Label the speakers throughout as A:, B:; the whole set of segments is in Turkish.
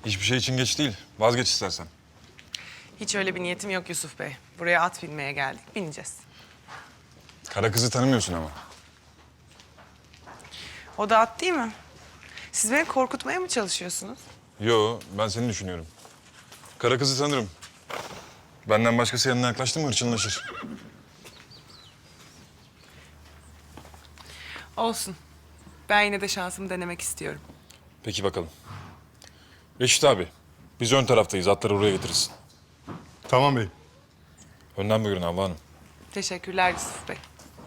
A: Hiçbir şey için geç değil. Vazgeç istersen.
B: Hiç öyle bir niyetim yok Yusuf Bey. Buraya at binmeye geldik. Bineceğiz.
A: Kara kızı tanımıyorsun ama.
B: O da at değil mi? Siz beni korkutmaya mı çalışıyorsunuz?
A: Yo, ben seni düşünüyorum. Kara kızı tanırım. Benden başkası yanına yaklaştı mı hırçınlaşır.
B: Olsun. Ben yine de şansımı denemek istiyorum.
A: Peki bakalım. Reşit abi, biz ön taraftayız. Atları oraya getirirsin.
C: Tamam bey.
A: Önden buyurun Havva Hanım.
B: Teşekkürler Yusuf Bey.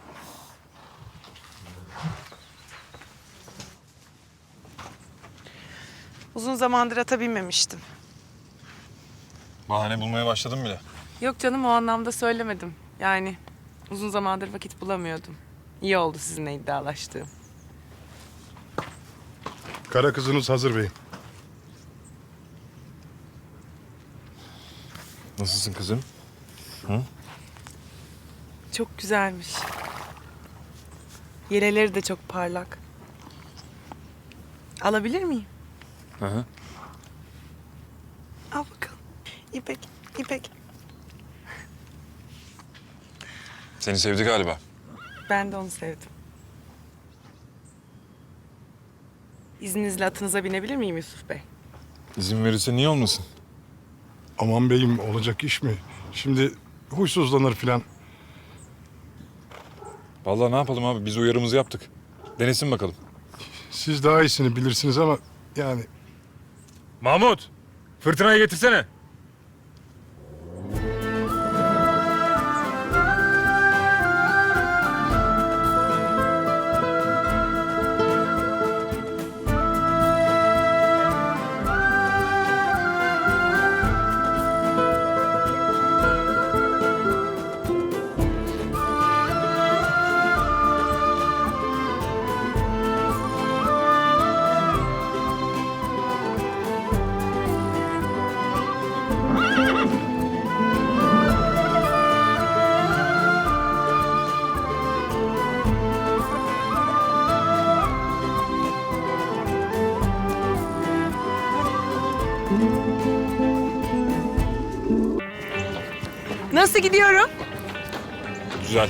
B: Uzun zamandır ata binmemiştim.
A: Bahane bulmaya başladım bile.
B: Yok canım, o anlamda söylemedim. Yani uzun zamandır vakit bulamıyordum. İyi oldu sizinle iddialaştığım.
C: Kara kızınız hazır bey.
A: Nasılsın kızım?
B: Çok güzelmiş. Yeleleri de çok parlak. Alabilir miyim?
A: Hı hı.
B: Al bakalım. İpek, İpek.
A: Seni sevdi galiba.
B: Ben de onu sevdim. İzninizle atınıza binebilir miyim Yusuf Bey?
A: İzin verirse niye olmasın?
C: Aman beyim olacak iş mi? Şimdi huysuzlanır filan.
A: Vallahi ne yapalım abi? Biz uyarımızı yaptık. Denesin bakalım.
C: Siz daha iyisini bilirsiniz ama yani
A: Mahmut! Fırtınayı getirsene.
B: Nasıl gidiyorum?
A: Güzel.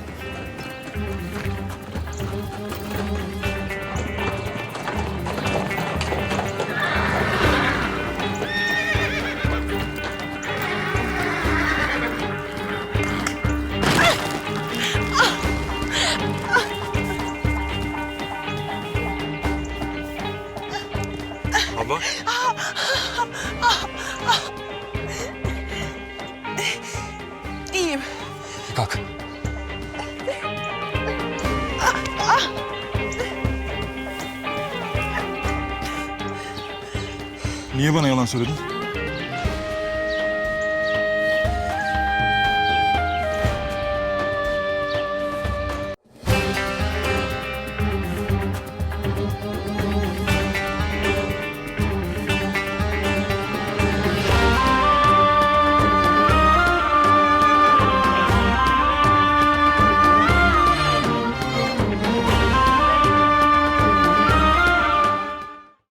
A: Abla.
B: İyiyim.
A: Kalk. Niye bana yalan söyledin?